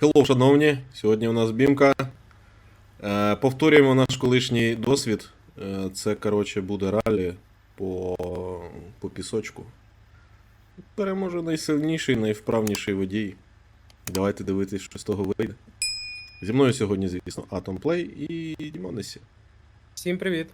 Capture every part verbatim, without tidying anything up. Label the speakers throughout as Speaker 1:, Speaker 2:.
Speaker 1: Хеллоу, шановні, сьогодні у нас бімка. Е, повторюємо наш колишній досвід. Е, це, коротше, буде ралі по, по пісочку. Переможе найсильніший, найвправніший водій. Давайте дивитись, що з того вийде. Зі мною сьогодні, звісно, Atom Play і Дімонесі.
Speaker 2: Всім привіт.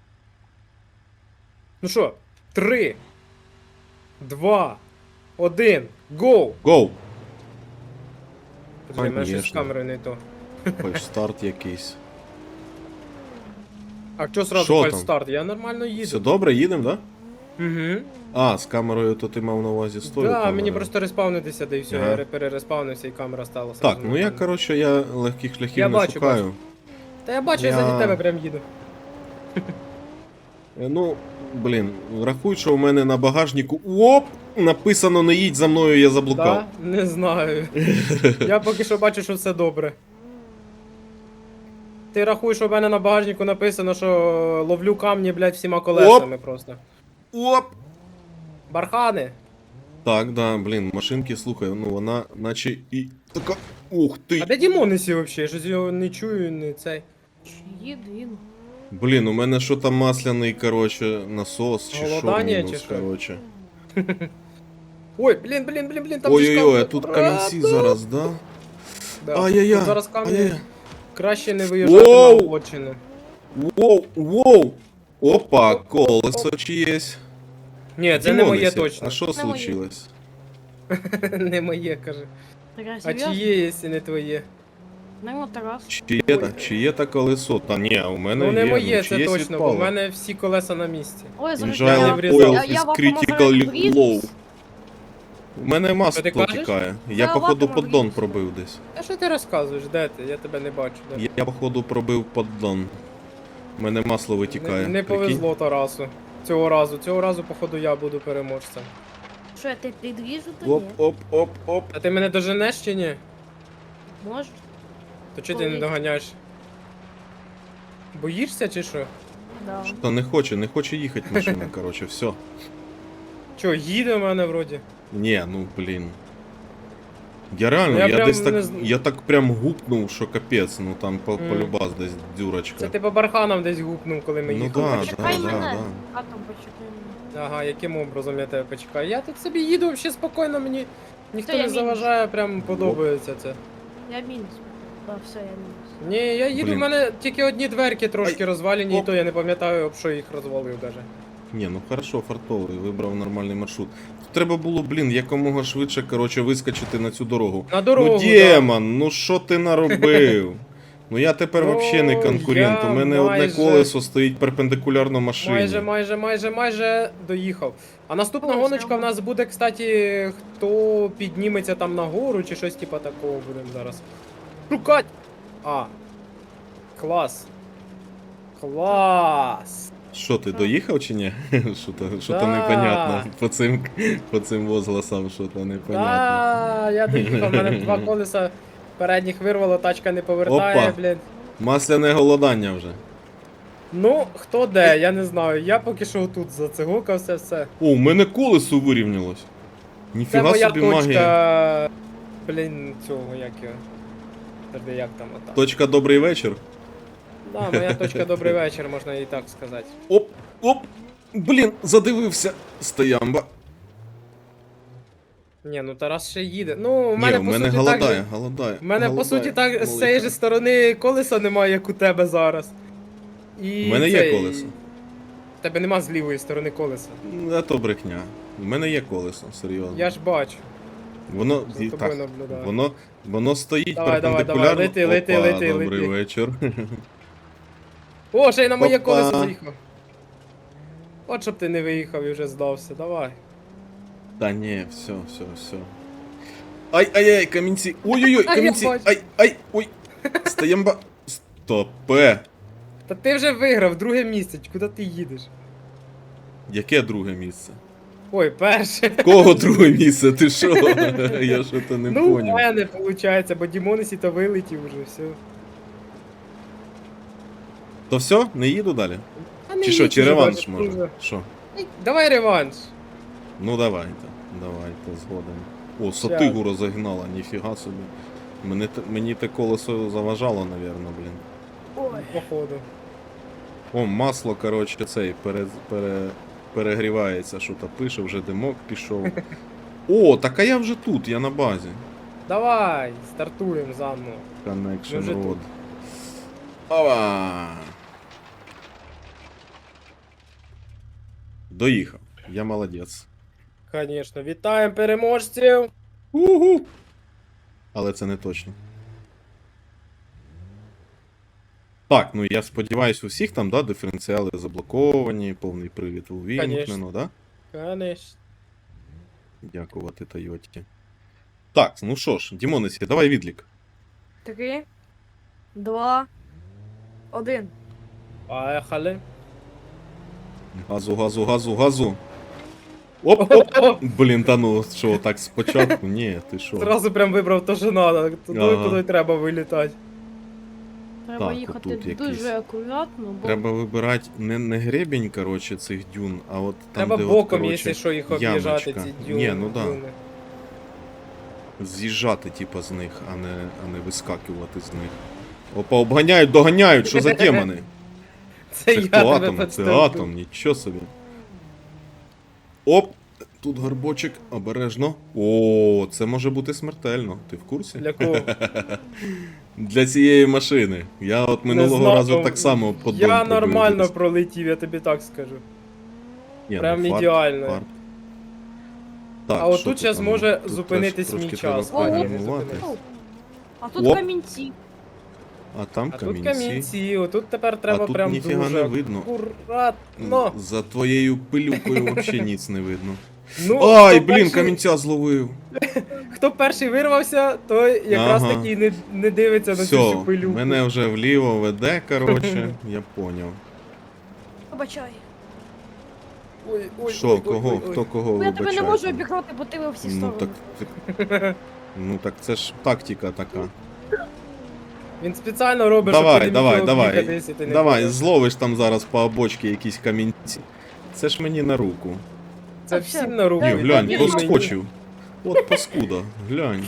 Speaker 2: Ну що, три, два, один, гоу!
Speaker 1: Гоу!
Speaker 2: Подожди, в мене щось з
Speaker 1: Конечно.
Speaker 2: камерою не то.
Speaker 1: Хоч старт якийсь.
Speaker 2: А чого сразу
Speaker 1: Що
Speaker 2: фальс
Speaker 1: там?
Speaker 2: старт? Я нормально їду.
Speaker 1: Все добре, їдемо, да?
Speaker 2: Угу.
Speaker 1: А, з камерою то ти мав на увазі стою.
Speaker 2: Да,
Speaker 1: камерою.
Speaker 2: мені просто респавнитися, да і все,
Speaker 1: Ага.
Speaker 2: я перереспавнився і камера стала.
Speaker 1: Так,
Speaker 2: сразу
Speaker 1: ну я,
Speaker 2: нормально.
Speaker 1: коротше, я легких шляхів
Speaker 2: Я
Speaker 1: не
Speaker 2: бачу,
Speaker 1: шукаю.
Speaker 2: бачу. Та я бачу,
Speaker 1: Я-
Speaker 2: я заді тебе прям їду.
Speaker 1: Е, Ну, блін, рахуй, що у мене на багажнику. Оп! Написано не їдь за мною, я заблукав.
Speaker 2: Да? Не знаю. Я поки що бачу, що все добре. Ти рахуєш, що в мене на багажнику написано, що ловлю камні, блядь, всіма колесами просто.
Speaker 1: Оп!
Speaker 2: Бархани.
Speaker 1: Так, да, блін, машинки, слухай, ну вона наче і така. Ух
Speaker 2: А
Speaker 1: ти!
Speaker 2: де Дімонесі взагалі? Щось його не чую, не цей.
Speaker 3: Їду, їду.
Speaker 1: Блін, у мене що там масляний, коротше, насос, чи що
Speaker 2: Голодання,
Speaker 1: мінус,
Speaker 2: чи що?
Speaker 1: коротше.
Speaker 2: Ой, блін, блін, блін, блін, там же ж
Speaker 1: Ой-ой-ой, а
Speaker 2: камні.
Speaker 1: тут
Speaker 2: А,
Speaker 1: камінці
Speaker 2: да.
Speaker 1: зараз, да?
Speaker 2: Да.
Speaker 1: Ай-яй-яй,
Speaker 2: Тут зараз камні.
Speaker 1: ай-яй-яй.
Speaker 2: Краще не виїжджати на
Speaker 1: Воу!
Speaker 2: обочину.
Speaker 1: Воу, воу! Опа, колесо чиєсь.
Speaker 2: Ні, це не моє
Speaker 1: Дімонесі,
Speaker 2: точно.
Speaker 1: А що
Speaker 3: Не моє.
Speaker 1: случилось?
Speaker 2: Не моє, каже.
Speaker 3: Така
Speaker 2: А
Speaker 3: серйозно?
Speaker 2: чиє, якщо не твоє?
Speaker 3: Ну, Тарас.
Speaker 1: Чиє та, чиє та колесо? Та ні, у мене
Speaker 2: Ну не
Speaker 1: є,
Speaker 2: моє,
Speaker 1: ну,
Speaker 2: це
Speaker 1: чиєсь
Speaker 2: точно, бо
Speaker 1: відпало.
Speaker 2: в мене всі колеса на місці.
Speaker 3: Ой, зараз
Speaker 1: Engine
Speaker 2: я врізав.
Speaker 1: oil
Speaker 2: Я-
Speaker 1: is
Speaker 3: в
Speaker 1: critically
Speaker 3: автомобілі
Speaker 1: low. У мене масло
Speaker 2: Що ти кажеш?
Speaker 1: тікає. Я
Speaker 3: Я в
Speaker 1: походу
Speaker 3: автомобілі
Speaker 1: поддон
Speaker 3: сижу.
Speaker 1: пробив десь.
Speaker 2: А що ти розказуєш? Де ти? Я тебе не бачу. Де?
Speaker 1: Я, я походу пробив поддон. У мене масло витікає.
Speaker 2: Не, не
Speaker 1: Прикинь?
Speaker 2: повезло Тарасу. Цього разу. Цього разу, походу, я буду переможцем.
Speaker 3: Що, я тебе підріжу, то
Speaker 1: Оп,
Speaker 3: ні?
Speaker 1: оп, оп, оп.
Speaker 2: А ти мене доженеш чи ні?
Speaker 3: Може?
Speaker 2: То чого ти не
Speaker 3: Ой.
Speaker 2: доганяєш? Боїшся чи що?
Speaker 3: Да.
Speaker 1: Та не хоче, не хоче їхати машина, коротше, все.
Speaker 2: Чо, їде в мене вроді?
Speaker 1: Ні, ну блін. Я реально,
Speaker 2: Ну,
Speaker 1: я,
Speaker 2: я прям
Speaker 1: десь так,
Speaker 2: не зн-
Speaker 1: я так прям гупнув, що капець, ну там по,
Speaker 2: Мгм.
Speaker 1: полюбас десь дюрочка.
Speaker 2: Це ти по барханам десь гупнув, коли ми
Speaker 1: Ну
Speaker 2: їхали.
Speaker 1: да,
Speaker 3: Почекай
Speaker 1: да,
Speaker 3: мене.
Speaker 1: да.
Speaker 3: А там почекай мене.
Speaker 2: Ага, яким образом я тебе почекаю? Я тут собі їду взагалі спокійно, мені ніхто
Speaker 3: Це я
Speaker 2: не
Speaker 3: мінус.
Speaker 2: заважає, прям подобається це.
Speaker 3: Я мінус. Так, все, я мінус.
Speaker 2: Ні, я їду,
Speaker 1: Блін.
Speaker 2: в мене тільки одні дверки трошки розвалені, і
Speaker 1: Оп.
Speaker 2: то я не пам'ятаю, об що їх розвалив даже.
Speaker 1: Ні, ну хорошо, фартовий, вибрав нормальний маршрут. Тут треба було, блін, якомога швидше, коротше, вискочити на цю дорогу.
Speaker 2: На дорогу.
Speaker 1: ну, Демон, ну що ти наробив? Ну я тепер
Speaker 2: Ну,
Speaker 1: взагалі не конкурент.
Speaker 2: я
Speaker 1: У мене одне
Speaker 2: майже-
Speaker 1: колесо стоїть перпендикулярно
Speaker 2: да.
Speaker 1: машині.
Speaker 2: Майже, майже, майже, майже доїхав. А наступна
Speaker 3: Ой,
Speaker 2: гоночка
Speaker 3: це
Speaker 2: в нас буде, кстати, хто підніметься там нагору чи щось типа такого будемо зараз. Шукать! А. Клас. Клас.
Speaker 1: Що, ти доїхав чи ні? Що то, що то
Speaker 2: Да.
Speaker 1: непонятно. По цим, по цим возгласам, що то непонятно.
Speaker 2: Да, я доїхав, в мене два колеса передніх вирвало, тачка не повертає,
Speaker 1: Опа.
Speaker 2: блін.
Speaker 1: Масляне голодання вже.
Speaker 2: Ну, хто де, я не знаю. Я поки що тут зацигукався, все.
Speaker 1: О, у мене колесо вирівнялось.
Speaker 2: Це
Speaker 1: Ніфіга
Speaker 2: моя
Speaker 1: собі магія.
Speaker 2: точка. Блін, цього, як його. Подожди, як там отак.
Speaker 1: Точка добрий вечір.
Speaker 2: Да, моя точка добрий вечір, можна і так сказати.
Speaker 1: Оп, оп. Блін, задивився. Стоямба.
Speaker 2: Ні, ну Тарас ще їде. Ну, у
Speaker 1: Ні,
Speaker 2: мене,
Speaker 1: у
Speaker 2: по
Speaker 1: мене
Speaker 2: суті,
Speaker 1: голодає,
Speaker 2: так же...
Speaker 1: голодає.
Speaker 2: У мене, по
Speaker 1: голодає.
Speaker 2: суті, так з
Speaker 1: Малика.
Speaker 2: цієї ж сторони колеса немає, як у тебе зараз. І
Speaker 1: У мене є
Speaker 2: цей-
Speaker 1: колесо.
Speaker 2: В тебе нема з лівої сторони колеса.
Speaker 1: А то брехня. У мене є колесо, серйозно.
Speaker 2: Я ж бачу.
Speaker 1: Воно,
Speaker 2: За
Speaker 1: і,
Speaker 2: тобою
Speaker 1: так,
Speaker 2: наблюдаю.
Speaker 1: воно, воно стоїть
Speaker 2: Давай, давай,
Speaker 1: перпендикулярно.
Speaker 2: давай, лети, лети,
Speaker 1: Опа,
Speaker 2: лети,
Speaker 1: добрий
Speaker 2: лети.
Speaker 1: вечір.
Speaker 2: О, ще й на моє
Speaker 1: Опа.
Speaker 2: колесо заїхав. От щоб ти не виїхав і вже здався, давай.
Speaker 1: Та ні, все, все, все. Ай, ай, ай, камінці. Ой-ой-ой,
Speaker 2: А, я
Speaker 1: камінці.
Speaker 2: бачу.
Speaker 1: Ай, ай, ой. Стоямба. Стопе.
Speaker 2: Та ти вже виграв друге місце, куди ти їдеш?
Speaker 1: Яке друге місце?
Speaker 2: Ой, перше.
Speaker 1: Кого друге місце? Ти що? Я що то не
Speaker 2: Ну, у
Speaker 1: поняв.
Speaker 2: мене виходить, бо Дімонесі то вилетів уже, все.
Speaker 1: То все? Не їду далі?
Speaker 2: А не
Speaker 1: Чи що,
Speaker 2: їдь
Speaker 1: чи
Speaker 2: уже,
Speaker 1: реванш
Speaker 2: бачиш,
Speaker 1: може?
Speaker 2: вже.
Speaker 1: Що?
Speaker 2: Ей, давай реванш.
Speaker 1: Ну давайте, давайте, згодом. О, Сатигу розогнала, ніфіга собі. Мене, те- мені те колесо заважало, напевно, блін.
Speaker 3: Ой.
Speaker 2: Походу.
Speaker 1: О, масло, коротше, цей пере, пере, перегрівається, що то пише, вже димок пішов. О, так а я вже тут, я на базі.
Speaker 2: Давай, стартуємо заново. Ми
Speaker 1: Connection
Speaker 2: вже
Speaker 1: Road.
Speaker 2: тут.
Speaker 1: Ова! Доїхав. Я молодець.
Speaker 2: Звісно, вітаємо переможців!
Speaker 1: Угу. Але це не точно. Так, ну я сподіваюся, у всіх там, да, диференціали заблоковані, повний привід увімкнено, да?
Speaker 2: Конечно.
Speaker 1: Дякувати Тойоті. Так, ну що ж, Дімонесі, давай відлік.
Speaker 3: Три, два, один.
Speaker 2: Поехали.
Speaker 1: Газу, газу, газу, газу. Оп, оп. Блін, та ну що, так спочатку? Ні, ти що?
Speaker 2: Зразу прям вибрав то, що надо. Туди,
Speaker 1: Ага.
Speaker 2: куди треба вилітати.
Speaker 3: Треба
Speaker 1: Так,
Speaker 3: їхати
Speaker 1: отут якийсь.
Speaker 3: дуже акуратно, бо
Speaker 1: Треба вибирати не, не гребінь, коротше, цих дюн, а от там,
Speaker 2: Треба
Speaker 1: де
Speaker 2: боком,
Speaker 1: от, коротше,
Speaker 2: якщо що, їх об'їжджати,
Speaker 1: ямочка.
Speaker 2: ці дюни.
Speaker 1: Ні, ну да.
Speaker 2: дюни.
Speaker 1: З'їжджати, типа, з них, а не, а не вискакувати з них. Опа, обганяють, доганяють, що за демони?
Speaker 2: Це,
Speaker 1: Це
Speaker 2: я
Speaker 1: хто
Speaker 2: тебе
Speaker 1: атом? Це
Speaker 2: підстелю.
Speaker 1: атом, нічого собі. Оп! Тут горбочок, обережно. О, це може бути смертельно. Ти в курсі?
Speaker 2: Для кого?
Speaker 1: Для цієї машини. Я от минулого
Speaker 2: знаю.
Speaker 1: разу так само по дом
Speaker 2: Я
Speaker 1: пробив
Speaker 2: нормально
Speaker 1: десь.
Speaker 2: пролетів, я тобі так скажу.
Speaker 1: Ні,
Speaker 2: прям
Speaker 1: ну, фарт,
Speaker 2: ідеально.
Speaker 1: фарт. Так,
Speaker 2: А от
Speaker 1: що
Speaker 2: тут щас
Speaker 1: там?
Speaker 2: може
Speaker 1: Тут
Speaker 2: зупинитись
Speaker 1: теж
Speaker 2: мій
Speaker 1: трошки
Speaker 2: час.
Speaker 1: треба
Speaker 3: О, ні, не
Speaker 1: програмувати.
Speaker 2: зупинився.
Speaker 3: А тут
Speaker 1: Оп.
Speaker 3: камінці.
Speaker 1: А там
Speaker 2: А тут
Speaker 1: камінці.
Speaker 2: камінці, отут тепер треба
Speaker 1: тут
Speaker 2: прям
Speaker 1: ніфіга
Speaker 2: дуже
Speaker 1: не видно.
Speaker 2: акуратно.
Speaker 1: За твоєю пилюкою взагалі ніц не видно.
Speaker 2: Ну,
Speaker 1: Ай,
Speaker 2: хто
Speaker 1: блін,
Speaker 2: перший-
Speaker 1: камінця зловив.
Speaker 2: Хто перший вирвався, той якраз
Speaker 1: Ага.
Speaker 2: таки не, не дивиться на цю всю
Speaker 1: Все,
Speaker 2: пилюку.
Speaker 1: мене вже вліво веде, коротше, я поняв.
Speaker 3: Вибачай.
Speaker 2: Ой, ой,
Speaker 1: Що,
Speaker 2: ой,
Speaker 1: кого,
Speaker 2: ой, ой.
Speaker 1: хто кого
Speaker 3: Бо я тебе не
Speaker 1: вибачає
Speaker 3: можу
Speaker 1: там?
Speaker 3: обігнати, бо ти ви всі
Speaker 1: Ну
Speaker 3: сторони.
Speaker 1: так, ти- ну так це ж тактика така.
Speaker 2: Він спеціально робить, щоб
Speaker 1: Давай,
Speaker 2: ти не
Speaker 1: давай,
Speaker 2: міг
Speaker 1: давай.
Speaker 2: об'їхати, якщо ти не
Speaker 1: Давай,
Speaker 2: хочеш.
Speaker 1: зловиш там зараз по обочці якісь камінці. Це ж мені на руку.
Speaker 2: Це
Speaker 3: Так,
Speaker 2: всім
Speaker 3: все.
Speaker 2: на руку.
Speaker 1: Ні,
Speaker 3: Ой,
Speaker 1: глянь,
Speaker 3: ні,
Speaker 1: проскочив. От паскуда, глянь.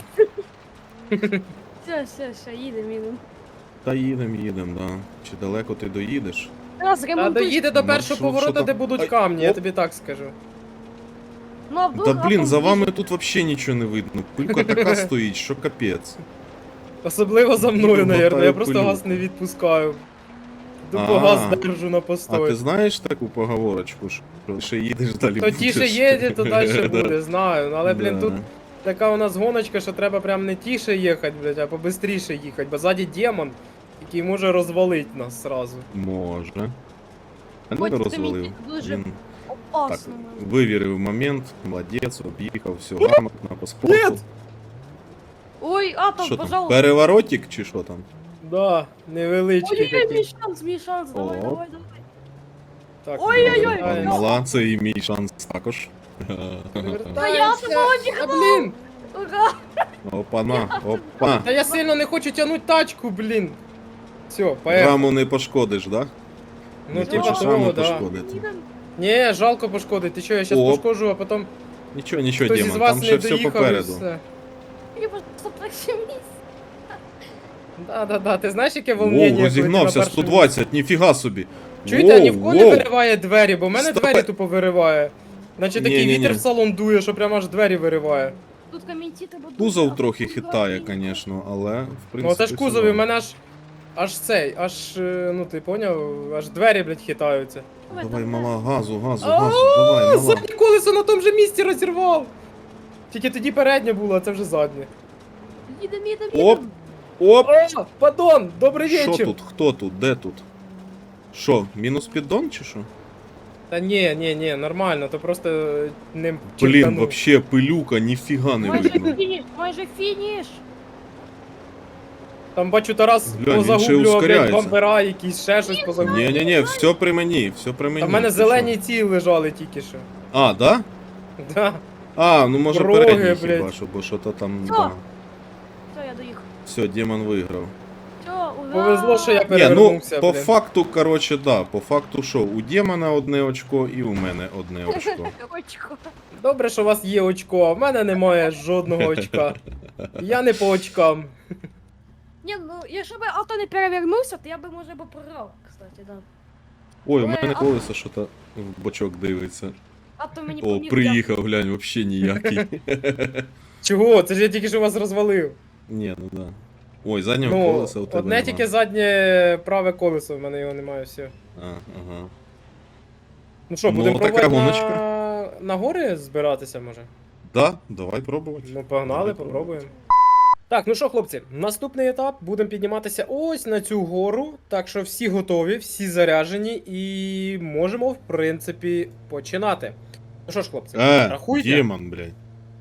Speaker 3: Все, все, все, їдемо, їдемо.
Speaker 1: Та їдем, їдем, да. Чи далеко ти доїдеш?
Speaker 3: Раз
Speaker 2: Та
Speaker 3: ремонтуй.
Speaker 2: доїде до
Speaker 1: Ну,
Speaker 2: першого
Speaker 1: що-
Speaker 2: повороту,
Speaker 1: що там?
Speaker 2: де будуть
Speaker 1: Ай,
Speaker 2: камні, я
Speaker 1: оп.
Speaker 2: тобі так скажу.
Speaker 3: Ну, а вдруг
Speaker 1: Та блін,
Speaker 3: атом
Speaker 1: за вами
Speaker 3: з'їде?
Speaker 1: тут вообще нічого не видно. Пилька така стоїть, що капець.
Speaker 2: Особливо за мною,
Speaker 1: Їду,
Speaker 2: навірно, я
Speaker 1: мотаю
Speaker 2: просто
Speaker 1: пилю.
Speaker 2: газ не відпускаю. Тупо
Speaker 1: А.
Speaker 2: газ держу на
Speaker 1: А
Speaker 2: постой.
Speaker 1: ти знаєш таку поговорочку, що ще їдеш далі
Speaker 2: То тіше
Speaker 1: будеш?
Speaker 2: їде, то далі
Speaker 1: Да.
Speaker 2: буде, знаю. Ну, але, блін,
Speaker 1: Да.
Speaker 2: тут така у нас гоночка, що треба прям не тіше їхати, блядь, а побистріше їхати, бо ззаді демон, який може розвалити нас сразу.
Speaker 1: Може. А не
Speaker 3: Хоч ти
Speaker 1: розвалив.
Speaker 3: мені дуже
Speaker 1: Він так
Speaker 3: опасно.
Speaker 1: вивірив момент, молодець, об'їхав, все грамотно по спорту.
Speaker 3: Ой, атом,
Speaker 1: Що там?
Speaker 3: пожалуйста.
Speaker 1: Переворотик чи що там?
Speaker 2: Да, невеличкий
Speaker 3: Ой-ой-ой,
Speaker 2: такий.
Speaker 3: мій шанс, мій шанс, давай,
Speaker 1: О.
Speaker 3: давай, давай.
Speaker 2: Так,
Speaker 3: Ой-ой-ой,
Speaker 1: Пан
Speaker 2: повертаємось.
Speaker 1: Мала, це і мій шанс також.
Speaker 2: Повертаємося.
Speaker 3: я
Speaker 2: А, блін!
Speaker 3: Ура!
Speaker 1: Опана, опа.
Speaker 2: Та я сильно не хочу тягнути тачку, блін. Все, поехали.
Speaker 1: Раму не пошкодиш, да?
Speaker 2: Ну,
Speaker 1: не
Speaker 2: типа
Speaker 1: хочеш
Speaker 2: того,
Speaker 1: раму
Speaker 2: да.
Speaker 1: пошкодити.
Speaker 3: Їдемо.
Speaker 2: Ні, жалко пошкодити. Ти що, я щас
Speaker 1: О.
Speaker 2: пошкоджу, а потім
Speaker 1: Нічого, нічого,
Speaker 2: хтось із
Speaker 1: Дімон,
Speaker 2: вас
Speaker 1: там
Speaker 2: не
Speaker 1: ще все
Speaker 2: доїхав і
Speaker 1: попереду.
Speaker 2: все.
Speaker 3: Я просто перше місце.
Speaker 2: Да-да-да, ти знаєш, яке волнення?
Speaker 1: Воу, розігнався, сто двадцять, ніфіга собі.
Speaker 2: Чуєте, а ні в кого не
Speaker 1: Воу,
Speaker 2: вириває двері, бо в мене
Speaker 1: Стопе.
Speaker 2: двері тупо вириває. Наче такий
Speaker 1: Ні-ні-ні.
Speaker 2: вітер в салон дує, що прямо аж двері вириває.
Speaker 3: Тут камінці треба дуже
Speaker 1: Кузов
Speaker 3: акуратно.
Speaker 1: трохи хитає, звісно, але в принципі.
Speaker 2: Ну оце ж
Speaker 1: все
Speaker 2: кузов, і в
Speaker 1: норм.
Speaker 2: мене аж. Аж цей, аж, е, ну ти поняв, аж двері, блядь, хитаються.
Speaker 1: Давай, мала, газу, газу,
Speaker 2: А,
Speaker 1: газу, давай, мала.
Speaker 2: Заднє колесо на тому же місці розірвав! Тільки тоді переднє було, а це вже заднє.
Speaker 3: Їдемо, їдемо,
Speaker 1: Оп.
Speaker 3: їдемо.
Speaker 1: Оп!
Speaker 2: О, падон, добрий
Speaker 1: Що
Speaker 2: вечір!
Speaker 1: тут? Хто тут? Де тут? Що, мінус піддон чи що?
Speaker 2: Та ні, ні, ні, нормально, то просто е, ним
Speaker 1: Блін,
Speaker 2: чертанув.
Speaker 1: вообще пилюка, ніфіга не
Speaker 3: Майже
Speaker 1: видно.
Speaker 3: фініш, майже фініш.
Speaker 2: Там бачу Тарас
Speaker 1: Глянь, він ще
Speaker 2: позагублював, блядь,
Speaker 1: ускоряється.
Speaker 2: бампера якісь, ще щось позагублював.
Speaker 1: Ні-ні-ні, все при мені, все при мені.
Speaker 2: Та в мене
Speaker 1: ти
Speaker 2: зелені
Speaker 1: що?
Speaker 2: ці лежали тільки що.
Speaker 1: А, да?
Speaker 2: Да.
Speaker 1: А, ну може
Speaker 2: Роги,
Speaker 1: передній хіба
Speaker 2: блядь.
Speaker 1: що, бо що то там.
Speaker 3: Всё.
Speaker 1: Да.
Speaker 3: Все, я доїхав.
Speaker 1: Все, демон виграв.
Speaker 3: Все, ура.
Speaker 2: повезло, що я
Speaker 1: Ні, ну,
Speaker 2: перевернувся,
Speaker 1: по
Speaker 2: блін.
Speaker 1: факту, коротше, да, по факту що, у Демона одне очко і у мене одне очко.
Speaker 3: Очко.
Speaker 2: Добре, що у вас є очко, а в мене немає жодного очка. Я не по очкам.
Speaker 3: Ні, ну, якщо б авто не перевернувся, то я би, може, б програв, кстати, да.
Speaker 1: Ой, у
Speaker 3: Ой,
Speaker 1: мене
Speaker 3: а-
Speaker 1: колесо що-то в бочок дивиться.
Speaker 3: Авто мені
Speaker 1: О,
Speaker 3: поміг.
Speaker 1: приїхав, глянь, вообще ніякий.
Speaker 2: Чого? Це ж я тільки що вас розвалив.
Speaker 1: Ні, ну да. Ой, заднього
Speaker 2: Ну,
Speaker 1: колеса у тебе
Speaker 2: одне
Speaker 1: нема.
Speaker 2: тільки заднє праве колесо, в мене його немає, все.
Speaker 1: А, ага.
Speaker 2: Ну що,
Speaker 1: Ну,
Speaker 2: будемо
Speaker 1: така
Speaker 2: пробувати
Speaker 1: гоночка.
Speaker 2: на... на гори збиратися, може?
Speaker 1: Да, давай пробувати.
Speaker 2: Ну, погнали,
Speaker 1: Давай
Speaker 2: попробуємо. Так, ну що, хлопці, наступний етап. Будемо підніматися ось на цю гору. Так що всі готові, всі заряджені і можемо, в принципі, починати. Ну що ж, хлопці,
Speaker 1: Е,
Speaker 2: рахуйте.
Speaker 1: Демон, блядь.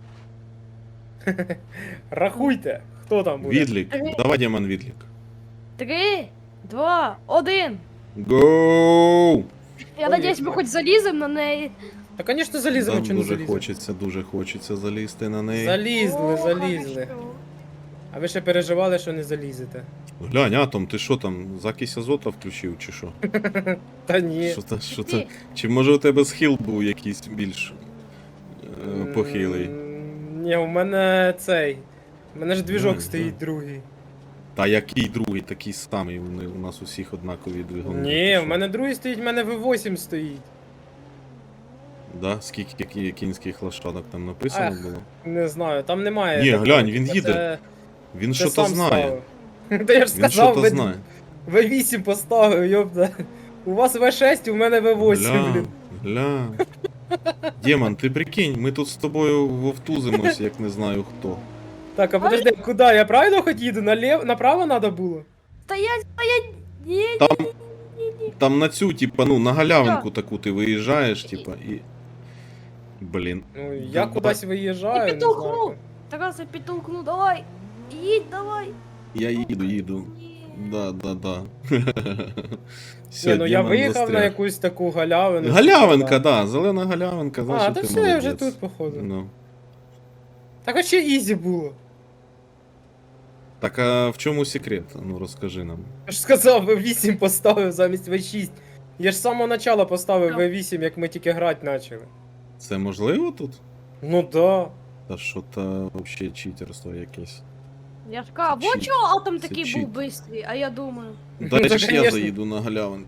Speaker 2: Рахуйте, хто там буде.
Speaker 1: Відлік. Давай, Демон, відлік.
Speaker 3: Три, два, один.
Speaker 1: Гоу!
Speaker 3: Я
Speaker 2: Ой,
Speaker 3: надіюсь, ми
Speaker 2: як.
Speaker 3: хоч заліземо на неї.
Speaker 2: Та, звісно, заліземо,
Speaker 1: Там
Speaker 2: чи не
Speaker 1: дуже
Speaker 2: заліземо.
Speaker 1: хочеться, дуже хочеться залізти на неї.
Speaker 2: Залізли,
Speaker 3: О,
Speaker 2: залізли.
Speaker 3: хорошо.
Speaker 2: А ви ще переживали, що не залізете.
Speaker 1: Глянь, Атом, ти що там, закись азота включив чи що?
Speaker 2: Та ні.
Speaker 1: Що та, що
Speaker 3: Ти-
Speaker 1: та? Чи може у тебе схил був якийсь більш е, похилий?
Speaker 2: М, Ні, у мене цей. У мене ж двіжок
Speaker 1: Знаю,
Speaker 2: стоїть
Speaker 1: знаю.
Speaker 2: другий.
Speaker 1: Та який другий, такий самий, вони у нас усіх однакові двигуни.
Speaker 2: Ні,
Speaker 1: Ти
Speaker 2: в
Speaker 1: що?
Speaker 2: мене другий стоїть, в мене ві вісім стоїть.
Speaker 1: Да? Скільки які кінських лошадок там написано
Speaker 2: Ах,
Speaker 1: було?
Speaker 2: Не знаю, там немає.
Speaker 1: Ні,
Speaker 2: такого,
Speaker 1: глянь, він
Speaker 2: типа,
Speaker 1: їде.
Speaker 2: це-
Speaker 1: Він
Speaker 2: це
Speaker 1: що то
Speaker 2: сам
Speaker 1: знає.
Speaker 2: ставив. Та я ж
Speaker 1: Він
Speaker 2: сказав,
Speaker 1: що то
Speaker 2: ви
Speaker 1: знає.
Speaker 2: ві вісім поставив, йопта. У вас ві шість, у мене ві вісім,
Speaker 1: Гля,
Speaker 2: блін.
Speaker 1: гля. Демон, ти прикинь, ми тут з тобою вовтузимось, як не знаю хто.
Speaker 2: Так, а подожди, куди? Я правильно хоч їду? Налів... Направо треба було?
Speaker 3: Стоять, стоять. Ні,
Speaker 1: Там,
Speaker 3: ні, ні, ні.
Speaker 1: там на цю, типа, ну, на галявинку таку ти виїжджаєш, типа, і. Блін.
Speaker 2: Ну, я
Speaker 1: Давай.
Speaker 2: кудись виїжджаю,
Speaker 3: Я
Speaker 2: не
Speaker 3: підтолкну.
Speaker 2: знаю.
Speaker 3: Тарас, я підтолкну, давай. Їдь, давай.
Speaker 1: Я їду, їду.
Speaker 3: Ні.
Speaker 1: Да, да, да. Все,
Speaker 2: Ні, ну я
Speaker 1: Демон
Speaker 2: виїхав
Speaker 1: застряг.
Speaker 2: на якусь таку галявину.
Speaker 1: Галявинка, да, зелена галявинка,
Speaker 2: А,
Speaker 1: значить
Speaker 2: та
Speaker 1: ти
Speaker 2: все, я вже
Speaker 1: молодець.
Speaker 2: тут, походу.
Speaker 1: Ну.
Speaker 2: Так а ще ізі було.
Speaker 1: Так а в чому секрет? Ну розкажи нам.
Speaker 2: Я ж сказав, ві вісім поставив замість ві шість. Я ж з самого начала поставив
Speaker 3: Так.
Speaker 2: ві вісім, як ми тільки грати почали.
Speaker 1: Це можливо тут?
Speaker 2: Ну да.
Speaker 1: Та що то взагалі читерство якесь.
Speaker 3: Я ж кажу,
Speaker 1: Це
Speaker 3: вот
Speaker 1: чіт.
Speaker 3: чого атом
Speaker 1: Це
Speaker 3: такий
Speaker 1: чіт.
Speaker 3: був бистрий, а я думаю.
Speaker 1: Дай
Speaker 2: Та,
Speaker 1: ж я
Speaker 2: конечно.
Speaker 1: заїду на галявинку.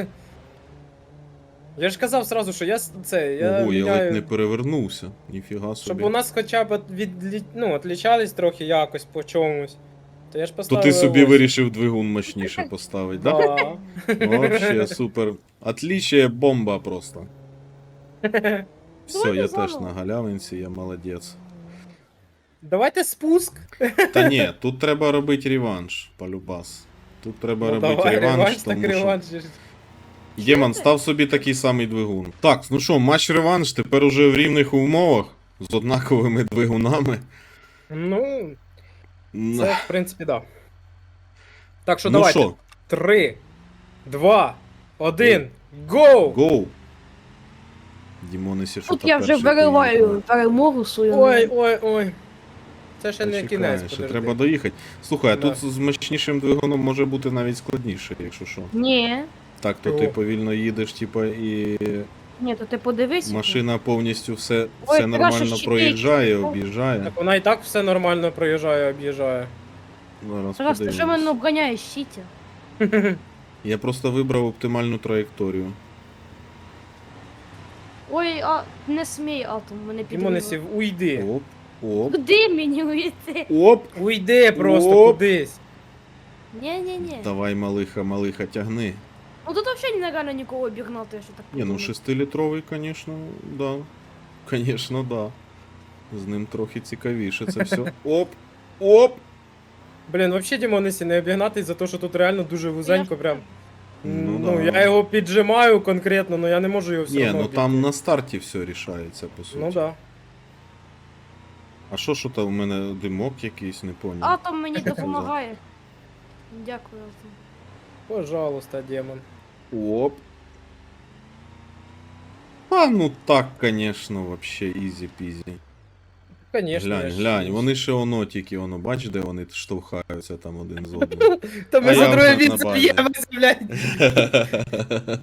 Speaker 2: Я ж казав сразу, що я с- це, я
Speaker 1: Ого, я
Speaker 2: міняю,
Speaker 1: ледь не перевернувся. Ніфіга собі.
Speaker 2: щоб у нас хоча б від, ну, отлічались трохи якось по чомусь. То я ж
Speaker 1: То
Speaker 2: поставив.
Speaker 1: ти собі
Speaker 2: ось.
Speaker 1: вирішив двигун мощніше поставити, да?
Speaker 2: Да.
Speaker 1: Вообще супер. Отличие бомба просто. Все,
Speaker 3: Давайте
Speaker 1: я теж
Speaker 3: заново.
Speaker 1: на галявинці, я молодець.
Speaker 2: Давайте спуск.
Speaker 1: Та ні, тут треба робити реванш, полюбас. Тут треба
Speaker 2: Ну,
Speaker 1: робити
Speaker 2: давай,
Speaker 1: реванш,
Speaker 2: реванш, так
Speaker 1: тому що...
Speaker 2: реванш.
Speaker 1: Демон, став собі такий самий двигун. Так, ну що, матч реванш, тепер уже в рівних умовах, з однаковими двигунами.
Speaker 2: Ну,
Speaker 1: М,
Speaker 2: це в принципі, да. Так що
Speaker 1: ну
Speaker 2: давайте.
Speaker 1: що,
Speaker 2: Три, два, один, гоу!
Speaker 1: гоу. Дімонесі, що
Speaker 3: Тут я вже вириваю перемогу свою.
Speaker 2: Ой, ой, ой. Це ще не
Speaker 1: Чекай,
Speaker 2: кінець,
Speaker 1: ще
Speaker 2: подожди.
Speaker 1: треба доїхати. Слухай, а
Speaker 2: Да.
Speaker 1: тут з мощнішим двигуном може бути навіть складніше, якщо що.
Speaker 3: Ні.
Speaker 1: Так, то
Speaker 2: Чого?
Speaker 1: ти повільно їдеш, типа, і
Speaker 3: Ні, то ти подивись.
Speaker 1: машина повністю все,
Speaker 3: Ой,
Speaker 1: все
Speaker 3: треба
Speaker 1: нормально
Speaker 3: щось
Speaker 1: проїжджає,
Speaker 3: чіпити.
Speaker 1: об'їжджає.
Speaker 2: Так вона і так все нормально проїжджає, об'їжджає.
Speaker 1: Зараз
Speaker 3: Тарас, ти що
Speaker 1: подивимось.
Speaker 3: мене обганяєш, щиті?
Speaker 1: Я просто вибрав оптимальну траєкторію.
Speaker 3: Ой, а не смій атом, мене підіймав.
Speaker 2: Дімонесів, уйди.
Speaker 1: Оп, оп,
Speaker 3: Куди мені уйти?
Speaker 1: оп.
Speaker 2: Уйди просто
Speaker 1: Оп.
Speaker 2: кудись.
Speaker 3: Ні-ні-ні.
Speaker 1: Давай, малиха, малиха, тягни.
Speaker 3: Ну тут взагалі нереально нікого обігнати, що так
Speaker 1: Ні, ну
Speaker 3: подумати.
Speaker 1: шестилітровий, звісно, да. Звісно, да. З ним трохи цікавіше це все. Оп, оп.
Speaker 2: Блін, взагалі Дімонесі не обігнати за те, що тут реально дуже вузенько
Speaker 3: Я-
Speaker 2: прям.
Speaker 1: Ну
Speaker 2: Ну,
Speaker 1: да.
Speaker 2: я його піджимаю конкретно, але я не можу його все
Speaker 1: Ні,
Speaker 2: одно
Speaker 1: ну там
Speaker 2: обійти.
Speaker 1: на старті все рішається, по суті.
Speaker 2: Ну да.
Speaker 1: А що що там у мене димок якийсь, не поняв.
Speaker 3: Атом мені допомагає. Дякую, Атом.
Speaker 2: Пожалуйста, демон.
Speaker 1: Оп. А, ну так, конечно, вообще, ізі-пізі.
Speaker 2: Конечно.
Speaker 1: Глянь,
Speaker 2: я ж-
Speaker 1: глянь, вони ще воно тільки воно, бач, де вони штовхаються там один з одним.
Speaker 2: Та ми
Speaker 1: А
Speaker 2: за
Speaker 1: я
Speaker 2: друге
Speaker 1: вже на
Speaker 2: місце
Speaker 1: базі.
Speaker 2: б'ємося, блядь.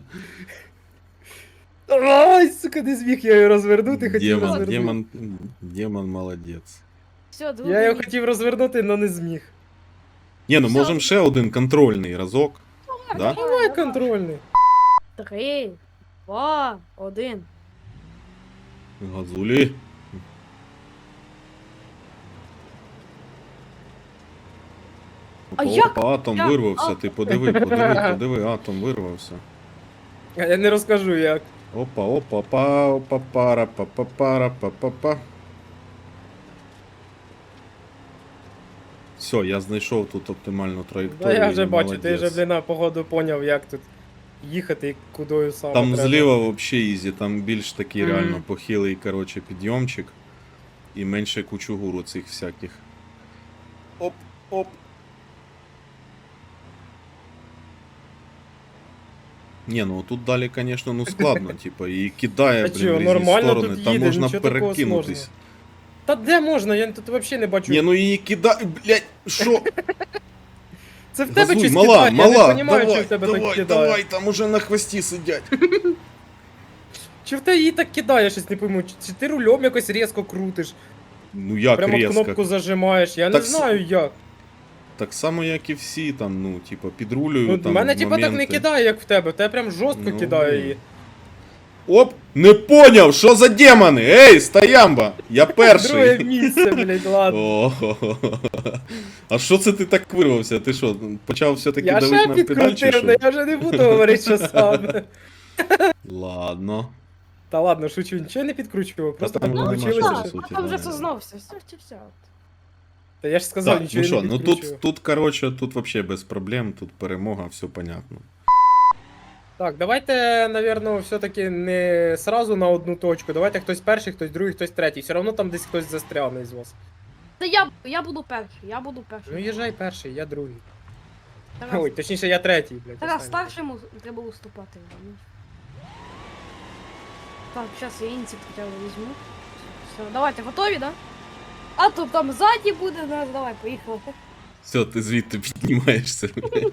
Speaker 2: Ай, сука, не зміг я його розвернути, хотів
Speaker 1: Демон,
Speaker 2: розвернути.
Speaker 1: демон, демон молодець.
Speaker 3: Все, друге
Speaker 2: Я його
Speaker 3: місце.
Speaker 2: хотів розвернути, але не зміг.
Speaker 1: Ні, ну
Speaker 3: Все.
Speaker 1: можемо ще один контрольний разок. Да?
Speaker 2: Давай контрольний.
Speaker 3: Три, два, один.
Speaker 1: Газулі.
Speaker 3: А
Speaker 1: Опа,
Speaker 3: як?
Speaker 1: опа, атом
Speaker 3: Як?
Speaker 1: вирвався,
Speaker 3: А-
Speaker 1: ти подиви, подиви, подиви, атом вирвався.
Speaker 2: А я не розкажу як.
Speaker 1: Опа, опа, па, опа, пара, па, па, пара, па, па, па. Все, я знайшов тут оптимальну
Speaker 2: Та
Speaker 1: траєкторію.
Speaker 2: я вже бачу, ти
Speaker 1: молодець.
Speaker 2: вже, блін, походу поняв, як тут їхати і кудою саме
Speaker 1: Там
Speaker 2: треба.
Speaker 1: зліва взагалі ізі, там більш такий
Speaker 2: Мгм.
Speaker 1: реально похилий, короче, підйомчик. І менше кучугуру цих всяких. Оп, оп. Ні, ну тут далі, звісно, ну складно, типа, і кидає,
Speaker 2: Та
Speaker 1: блін,
Speaker 2: чого,
Speaker 1: в різні
Speaker 2: нормально
Speaker 1: сторони,
Speaker 2: тут
Speaker 1: там
Speaker 2: їде,
Speaker 1: можна
Speaker 2: нічого такого
Speaker 1: перекинутись.
Speaker 2: сложного. Та де можна? Я тут взагалі не бачу.
Speaker 1: Ні, ну її кидає, блядь, що?
Speaker 2: Це в тебе
Speaker 1: Газуй,
Speaker 2: щось
Speaker 1: мала,
Speaker 2: кидає,
Speaker 1: мала,
Speaker 2: я не розумію,
Speaker 1: давай,
Speaker 2: чи в тебе
Speaker 1: давай,
Speaker 2: так кидає.
Speaker 1: давай, там уже на хвості сидять.
Speaker 2: Чи в тебе її так кидає, я щось не пойму. Чи- Чи ти рулем якось різко крутиш?
Speaker 1: Ну як
Speaker 2: Прямо
Speaker 1: різко.
Speaker 2: кнопку зажимаєш, я
Speaker 1: Так
Speaker 2: не
Speaker 1: с-
Speaker 2: знаю як.
Speaker 1: Так само, як і всі там, ну, типа, підрулюю
Speaker 2: Ну,
Speaker 1: там
Speaker 2: в мене
Speaker 1: в
Speaker 2: типа так не
Speaker 1: моменти.
Speaker 2: кидає, як в тебе, в тебе прям жорстко
Speaker 1: Ну,
Speaker 2: кидає
Speaker 1: блін.
Speaker 2: її.
Speaker 1: Оп! Не поняв, що за демони? Ей, стоямба! Я
Speaker 2: Друге
Speaker 1: перший.
Speaker 2: місце, блядь, ладно.
Speaker 1: О, а що це ти так вирвався? Ти що, почав все-таки
Speaker 2: Я
Speaker 1: давити
Speaker 2: ще
Speaker 1: на педаль чи
Speaker 2: підкрутив, але
Speaker 1: що?
Speaker 2: я вже не буду говорити, що саме.
Speaker 1: Ладно.
Speaker 2: Та ладно, шучу, нічого не підкручував, просто
Speaker 1: там
Speaker 2: так
Speaker 1: нема
Speaker 2: вийшло.
Speaker 1: що
Speaker 3: Так,
Speaker 1: по
Speaker 2: що-
Speaker 1: суті,
Speaker 3: а там вже
Speaker 1: да.
Speaker 3: сознався, все, все, все.
Speaker 2: Та я ж сказав,
Speaker 1: Так,
Speaker 2: нічого
Speaker 1: ну що,
Speaker 2: я не
Speaker 1: ну
Speaker 2: підкручував.
Speaker 1: тут, тут, короче, тут вообще без проблем, тут перемога, все понятно.
Speaker 2: Так, давайте, напевно, все-таки не сразу на одну точку. Давайте хтось перший, хтось другий, хтось третій. Все одно там десь хтось застряне з вас.
Speaker 3: Та я, я буду перший, я буду
Speaker 2: Ну
Speaker 3: перший.
Speaker 2: їжджай перший, я другий.
Speaker 3: Тарас,
Speaker 2: Ой, точніше, я третій, блядь.
Speaker 3: Тарас
Speaker 2: останній.
Speaker 3: старшому треба уступати. ну. Так, зараз я інці хоча б візьму. Все, давайте, готові, да? А то там ззаді буде, да, давай, поїхали.
Speaker 1: Все, ти звідти піднімаєшся.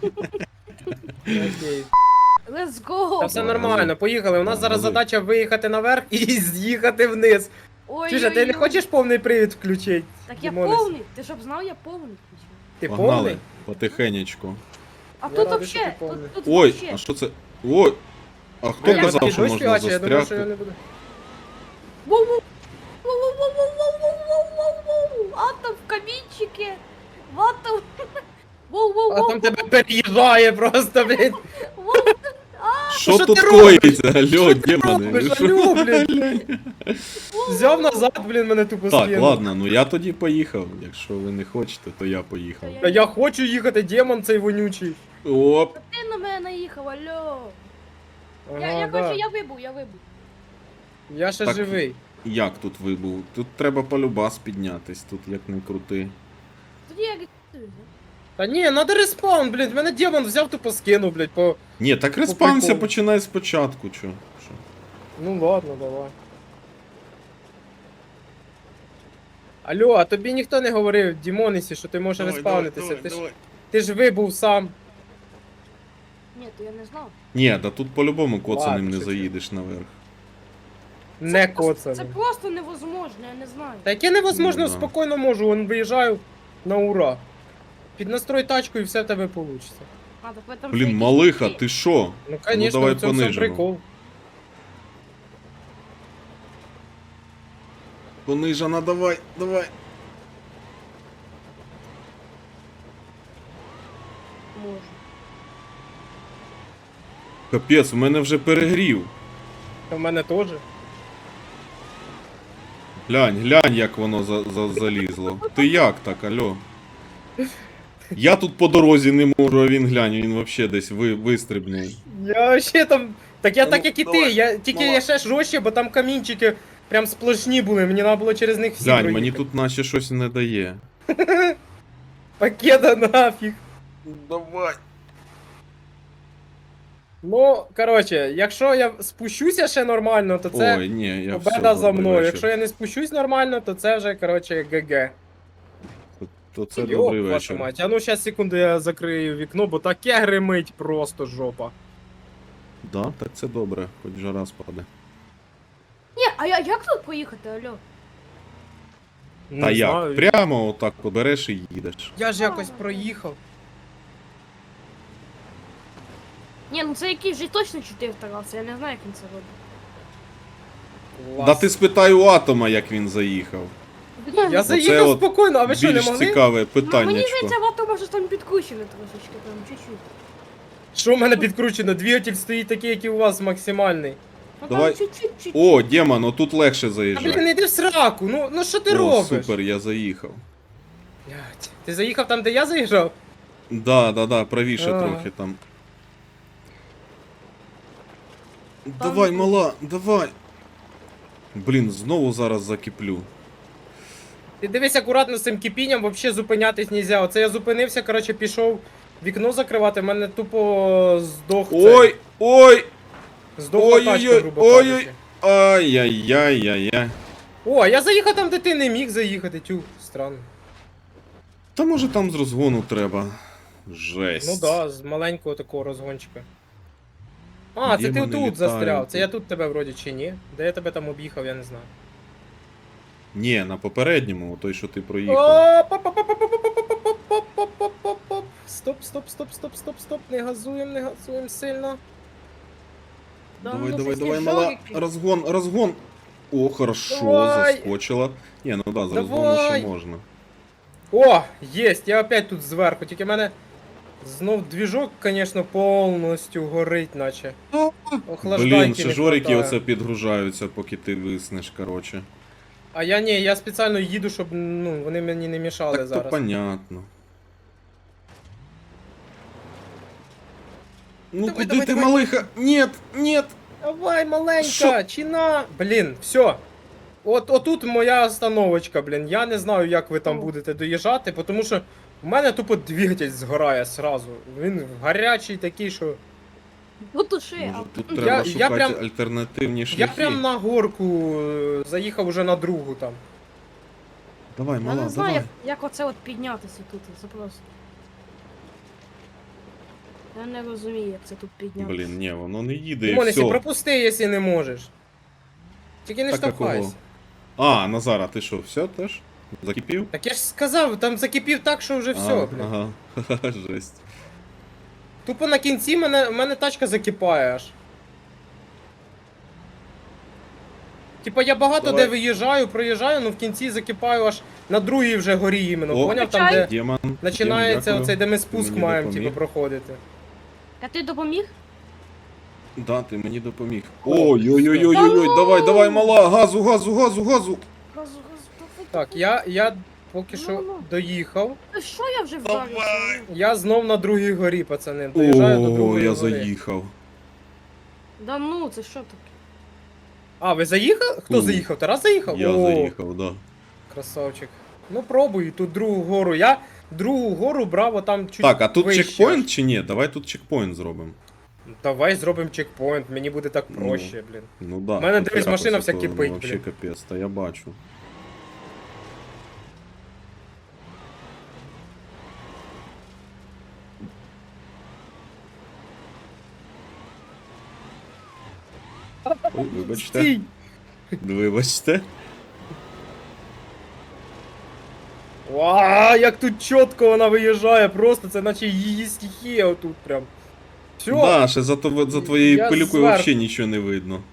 Speaker 2: Окей.
Speaker 3: Let's go!
Speaker 2: Та все
Speaker 1: Давай,
Speaker 2: нормально,
Speaker 1: газуй.
Speaker 2: поїхали. У нас
Speaker 1: Да,
Speaker 2: зараз
Speaker 1: газуй.
Speaker 2: задача виїхати наверх і з'їхати вниз.
Speaker 3: Ой,
Speaker 2: Чуєш, а ти не хочеш повний привід включити?
Speaker 3: Так я
Speaker 2: Дімонес?
Speaker 3: повний, ти щоб знав, я повний.
Speaker 2: Ти
Speaker 1: Погнали,
Speaker 2: повний?
Speaker 1: потихенечку.
Speaker 3: А
Speaker 2: Я
Speaker 3: тут
Speaker 2: радий, що
Speaker 3: вообще,
Speaker 2: ти повний.
Speaker 3: тут, тут
Speaker 1: Ой,
Speaker 3: вообще.
Speaker 1: а що це? Ой! А хто
Speaker 2: А я
Speaker 1: казав,
Speaker 2: такий
Speaker 1: що
Speaker 2: дощ
Speaker 1: можна
Speaker 2: фігачить, я думав, що я
Speaker 1: застрягти?
Speaker 2: не буду.
Speaker 3: Воу-воу! Воу-воу-воу-воу-воу-воу-воу-воу! Атом в камінчики! В атом!
Speaker 2: А
Speaker 3: Воу-воу-воу!
Speaker 2: там тебе переїжджає просто, блін.
Speaker 3: Воу!
Speaker 1: Що
Speaker 2: що
Speaker 1: тут
Speaker 2: ти робиш?
Speaker 1: коїться? Алло,
Speaker 2: Що ти
Speaker 1: демони, ви
Speaker 2: робиш?
Speaker 1: що?
Speaker 2: Алло, блін. Взяв назад, блін, мене тупо
Speaker 1: Так,
Speaker 2: скинув.
Speaker 1: ладно, ну я тоді поїхав. Якщо ви не хочете, то я поїхав.
Speaker 2: Та я хочу їхати, демон цей вонючий.
Speaker 1: Оп!
Speaker 3: Ти на мене наїхав, алло!
Speaker 2: Ага,
Speaker 3: Я, я
Speaker 2: да.
Speaker 3: хочу, я вибув, я вибув.
Speaker 2: Я ще
Speaker 1: Так.
Speaker 2: живий.
Speaker 1: Як тут вибув? Тут треба полюбас піднятись, тут як не крути.
Speaker 3: Тоді я рятую.
Speaker 2: Та ні, надо респаун, блін, мене демон взяв, тупо скинув, блядь, по...
Speaker 1: Ні, так респаунся
Speaker 2: приколу.
Speaker 1: починай спочатку, чо? Що?
Speaker 2: Ну ладно, давай. Алло, а тобі ніхто не говорив, Дімонісі, що ти можеш респаунитися. Ти ж, ти ж вибув сам.
Speaker 3: Ні, то я не знав.
Speaker 1: Ні, да тут по-любому коцаним
Speaker 2: Ладно,
Speaker 1: не
Speaker 2: шучу.
Speaker 1: заїдеш наверх.
Speaker 2: Не
Speaker 3: Це просто- Це
Speaker 2: коцаний.
Speaker 3: просто невозможно, я не знаю.
Speaker 2: Та яке невозможно,
Speaker 1: Ну да.
Speaker 2: спокійно можу, вон виїжджаю на ура. Піднастрой тачку і все в тебе вийде.
Speaker 3: А, так в этом
Speaker 1: Блін,
Speaker 3: же
Speaker 1: малиха,
Speaker 3: якийсь-
Speaker 1: ти що?
Speaker 2: Ну, конечно,
Speaker 1: давай
Speaker 2: в цьому всьому
Speaker 1: понижимо.
Speaker 2: прикол.
Speaker 1: Понижана, давай, давай.
Speaker 3: Можу.
Speaker 1: Капець, у мене вже перегрів.
Speaker 2: Та в мене теж.
Speaker 1: Глянь, глянь, як воно за, за, залізло. Ти як так, алло? Я тут по дорозі не можу, а він глянь, він вообще десь ви, вистрибнув.
Speaker 2: Я ще там. Так я
Speaker 1: Ну,
Speaker 2: так як і ти,
Speaker 1: давай,
Speaker 2: я тільки
Speaker 1: мала.
Speaker 2: я ще жорстче, бо там камінчики прям сплошні були, мені треба було через них всі
Speaker 1: Глянь,
Speaker 2: проїхати.
Speaker 1: мені тут наче щось не дає.
Speaker 2: Пакета нафіг.
Speaker 1: Давай.
Speaker 2: Ну, коротше, якщо я спущуся ще нормально, то це
Speaker 1: Ой, ні, я
Speaker 2: победа
Speaker 1: все,
Speaker 2: за
Speaker 1: добрий
Speaker 2: мною.
Speaker 1: вечір.
Speaker 2: Якщо я не спущусь нормально, то це вже, коротше, ГГ.
Speaker 1: То, то це
Speaker 2: Йоп,
Speaker 1: добрий
Speaker 2: вашу
Speaker 1: вечір.
Speaker 2: мать. А ну щас секунду я закрию вікно, бо таке гримить просто жопа.
Speaker 1: Да, так це добре, хоч жара спаде.
Speaker 3: Ні, а я, як тут поїхати, алло?
Speaker 2: Не
Speaker 1: Та як?
Speaker 2: знаю.
Speaker 1: Прямо отак побереш і їдеш.
Speaker 2: Я ж якось проїхав.
Speaker 3: Ні, ну це якийсь вже точно чотири Тараса, я не знаю, як він це робить.
Speaker 2: Клас.
Speaker 1: Да ти спитай у Атома, як він заїхав.
Speaker 2: Я заїхав
Speaker 1: от
Speaker 2: спокійно, а ви що, не
Speaker 1: Більш
Speaker 2: могли?
Speaker 1: цікаве
Speaker 3: Мені
Speaker 1: питаннячко.
Speaker 3: здається, вато може там підкручене трошечки, там, чуть-чуть.
Speaker 2: Що в мене підкручено? Двигатель стоїть такий, як і у вас, максимальний.
Speaker 3: Ну
Speaker 1: Давай.
Speaker 3: там чуть-чуть, чуть-чуть.
Speaker 1: О, Демон, отут легше
Speaker 2: А блін,
Speaker 1: заїжджати.
Speaker 2: не йди в сраку, ну, ну що ти
Speaker 1: О,
Speaker 2: робиш?
Speaker 1: супер, я заїхав.
Speaker 2: Блядь, ти заїхав там, де я заїжджав?
Speaker 1: Да, да, да, правіше
Speaker 2: А.
Speaker 1: трохи там. Давай, мала, давай. Блін, знову зараз закиплю.
Speaker 2: Ти дивись акуратно з цим кипінням, взагалі зупинятись нельзя. Оце я зупинився, коротше, пішов вікно закривати, в мене тупо здох цей.
Speaker 1: Ой, ой,
Speaker 2: Здохла тачка,
Speaker 1: ой-ой-ой,
Speaker 2: грубо
Speaker 1: ой-ой.
Speaker 2: кажучи.
Speaker 1: ай-яй-яй-яй-яй.
Speaker 2: О, а я заїхав там, де ти не міг заїхати, тю, странно.
Speaker 1: Та може там з розгону треба. Жесть.
Speaker 2: Ну да, з маленького такого розгончика. А, це ти
Speaker 1: Демони
Speaker 2: тут
Speaker 1: літають.
Speaker 2: застряв. Це я тут тебе вроді чи ні? Де я тебе там об'їхав, я не знаю.
Speaker 1: Ні, на попередньому, той, що ти проїхав.
Speaker 2: Оп-оп-оп-оп-оп-оп-оп-оп-оп-оп. Стоп, стоп, стоп, стоп, стоп, стоп. Не газуємо, не газуємо сильно.
Speaker 3: Да,
Speaker 1: Давай,
Speaker 3: ну,
Speaker 1: давай,
Speaker 3: щось
Speaker 1: давай,
Speaker 3: не
Speaker 1: мала.
Speaker 3: жорик.
Speaker 1: Розгон, розгон. О, хорошо,
Speaker 2: Давай.
Speaker 1: заскочила. Ні, ну да, з
Speaker 2: Давай.
Speaker 1: розгону ще можна.
Speaker 2: О, єсть, я опять тут зверху, тільки в мене знов двіжок, звісно, повністю горить, наче. Охлаждайки
Speaker 1: Блін,
Speaker 2: не
Speaker 1: ще жорики
Speaker 2: хватає.
Speaker 1: оце підгружаються, поки ти виснеш, короче.
Speaker 2: А я ні, я спеціально їду, щоб ну, вони мені не мішали
Speaker 1: Так то
Speaker 2: зараз.
Speaker 1: понятно. Ну
Speaker 2: Давай,
Speaker 1: куди
Speaker 2: давай,
Speaker 1: ти,
Speaker 2: давай.
Speaker 1: малиха? Нет, нет.
Speaker 2: Давай, маленька,
Speaker 1: Що?
Speaker 2: чина. Блін, все. От отут моя остановочка, блін. Я не знаю, як ви там
Speaker 3: О.
Speaker 2: будете доїжджати, тому що в мене тупо двигатель згорає сразу. Він гарячий такий, що.
Speaker 3: Ну туши,
Speaker 1: Може
Speaker 3: а
Speaker 1: тут
Speaker 2: Я-
Speaker 1: треба
Speaker 2: я
Speaker 1: шукати
Speaker 2: прям-
Speaker 1: альтернативні
Speaker 2: Я
Speaker 1: шляхи.
Speaker 2: прям на горку е, заїхав уже на другу там.
Speaker 1: Давай,
Speaker 3: я
Speaker 1: мала,
Speaker 3: не знаю,
Speaker 1: давай.
Speaker 3: як, як оце от піднятися тут, це просто. Я не розумію, як це тут піднятися.
Speaker 1: Блін, ні, воно не їде і
Speaker 2: Димонесі,
Speaker 1: все.
Speaker 2: пропусти, якщо не можеш. Тільки не
Speaker 1: Так, а кого?
Speaker 2: штовхайся.
Speaker 1: А, Назара, ти що, все теж? Закипів?
Speaker 2: Так я ж сказав, там закипів так, що вже все,
Speaker 1: А,
Speaker 2: блін.
Speaker 1: Ага, ха-ха, жесть.
Speaker 2: Тупо на кінці мене, мене тачка закипає аж. Типа я багато
Speaker 1: Давай.
Speaker 2: де виїжджаю, проїжджаю, ну в кінці закипаю аж на другій вже горі іменно.
Speaker 1: О.
Speaker 2: Поняв там, де
Speaker 1: Демон,
Speaker 2: починається
Speaker 1: Дім,
Speaker 2: оцей, де ми
Speaker 1: Ти
Speaker 2: спуск
Speaker 1: мені
Speaker 2: маємо,
Speaker 1: допоміг.
Speaker 2: типу, проходити.
Speaker 3: А ти допоміг?
Speaker 1: Да, ти мені допоміг.
Speaker 2: О,
Speaker 1: Ой-ой-ой-ой-ой,
Speaker 3: все.
Speaker 1: давай, давай, мала, газу, газу, газу, газу.
Speaker 3: Газу, газу, давай,
Speaker 2: Так,
Speaker 3: давай.
Speaker 2: я, я поки що
Speaker 3: Ну-ну.
Speaker 2: доїхав.
Speaker 3: Та що я вже вдарився?
Speaker 2: Я знов на другій горі, пацани. Доїжджаю до
Speaker 1: О,
Speaker 2: другої
Speaker 1: я
Speaker 2: гори.
Speaker 1: заїхав.
Speaker 3: Да ну, це що таке?
Speaker 2: А, ви заїхали? Хто
Speaker 1: У.
Speaker 2: заїхав? Тарас заїхав?
Speaker 1: Я
Speaker 2: О,
Speaker 1: заїхав, да.
Speaker 2: красавчик. Ну пробуй тут другу гору. Я другу гору брав, а там чуть
Speaker 1: Так, а тут
Speaker 2: вище.
Speaker 1: чекпоінт чи ні? Давай тут чекпоінт зробимо.
Speaker 2: Давай зробимо чекпоінт, мені буде так
Speaker 1: Ну.
Speaker 2: проще, блін.
Speaker 1: Ну да.
Speaker 2: В мене,
Speaker 1: тут
Speaker 2: дивись,
Speaker 1: тряпа
Speaker 2: машина вся
Speaker 1: ситуація,
Speaker 2: кипить,
Speaker 1: Вообще
Speaker 2: блін.
Speaker 1: капець, та я бачу. Ой, вибачте.
Speaker 2: Стій!
Speaker 1: Вибачте.
Speaker 2: Ва, як тут чітко вона виїжджає, просто це наче її стихія отут прям. Все,
Speaker 1: Да, ще за, тво- за твоєю
Speaker 2: Я
Speaker 1: пилюкою
Speaker 2: зверху.
Speaker 1: взагалі нічого не видно.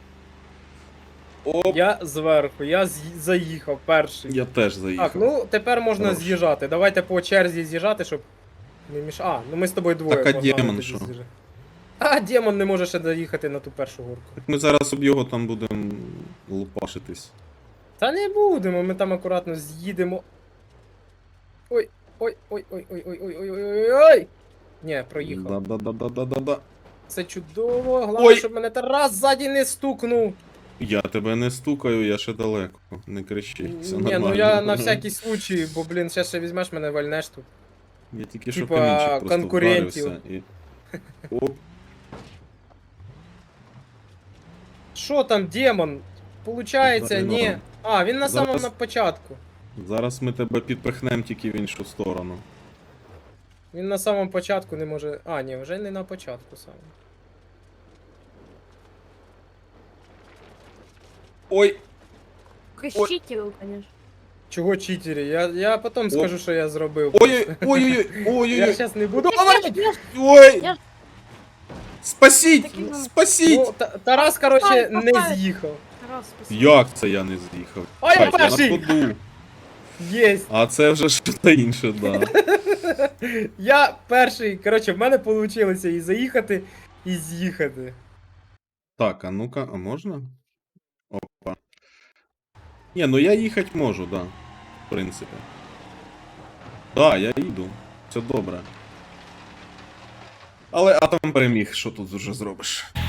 Speaker 1: Оп,
Speaker 2: я зверху, я з'ї- заїхав перший.
Speaker 1: я теж заїхав.
Speaker 2: Так, ну тепер можна
Speaker 1: Хорош.
Speaker 2: з'їжджати. Давайте по черзі з'їжджати, щоб не міш... А, ну ми з тобою двоє.
Speaker 1: Так, а
Speaker 2: погнали
Speaker 1: демон
Speaker 2: тоді
Speaker 1: що?
Speaker 2: з'їжджати. А, демон не може ще доїхати на ту першу горку.
Speaker 1: Так ми зараз об його там будемо лупашитись.
Speaker 2: Та не будемо, ми там акуратно з'їдемо. Ой, ой, ой, ой, ой, ой, ой, ой, ой, ой, ой. Ні, проїхав.
Speaker 1: Да-да-да-да-да-да-да.
Speaker 2: Це чудово. Головне,
Speaker 1: Ой.
Speaker 2: щоб мене Тарас ззаді не стукнув.
Speaker 1: Я тебе не стукаю, я ще далеко. Не кричи, все
Speaker 2: Ні,
Speaker 1: нормально.
Speaker 2: ну я на всякий случай, бо, блін, зараз ще візьмеш мене вальнеш тут.
Speaker 1: Я тільки що
Speaker 2: типа,
Speaker 1: камінчик просто
Speaker 2: конкурентів.
Speaker 1: вдарився і... Оп.
Speaker 2: Що там, демон? Получається,
Speaker 1: Зараз
Speaker 2: ні.
Speaker 1: норм.
Speaker 2: А, він на
Speaker 1: Зараз-
Speaker 2: самому на початку.
Speaker 1: Зараз ми тебе підпихнемо тільки в іншу сторону.
Speaker 2: Він на самому початку не може. А, ні, вже не на початку саме.
Speaker 1: Ой!
Speaker 3: Якийсь читер, конечно.
Speaker 2: Чого читері? Я, я потім скажу, що я зробив.
Speaker 1: Ой, ой, ой, ой,
Speaker 2: Я
Speaker 1: ой,
Speaker 2: зараз не буду.
Speaker 3: Я ж- я ж-
Speaker 1: ой!
Speaker 3: Я-
Speaker 1: Спасіть!
Speaker 3: Такий, ну,
Speaker 1: Спасіть!
Speaker 2: Ну, Та- Тарас, короче,
Speaker 3: Поставь,
Speaker 2: не
Speaker 3: поставь.
Speaker 2: з'їхав.
Speaker 3: Раз, спасибо.
Speaker 1: Як це я не з'їхав?
Speaker 2: А я
Speaker 1: Чекай,
Speaker 2: перший!
Speaker 1: на ходу.
Speaker 2: Єсть.
Speaker 1: А це вже щось інше, да.
Speaker 2: Я перший. Коротше, в мене вийшло і заїхати, і з'їхати.
Speaker 1: Так, а ну-ка, а можна? Опа. Ні, ну я їхати можу, да. В принципі. Да, я їду. Все добре. Але атом переміг, що тут вже зробиш?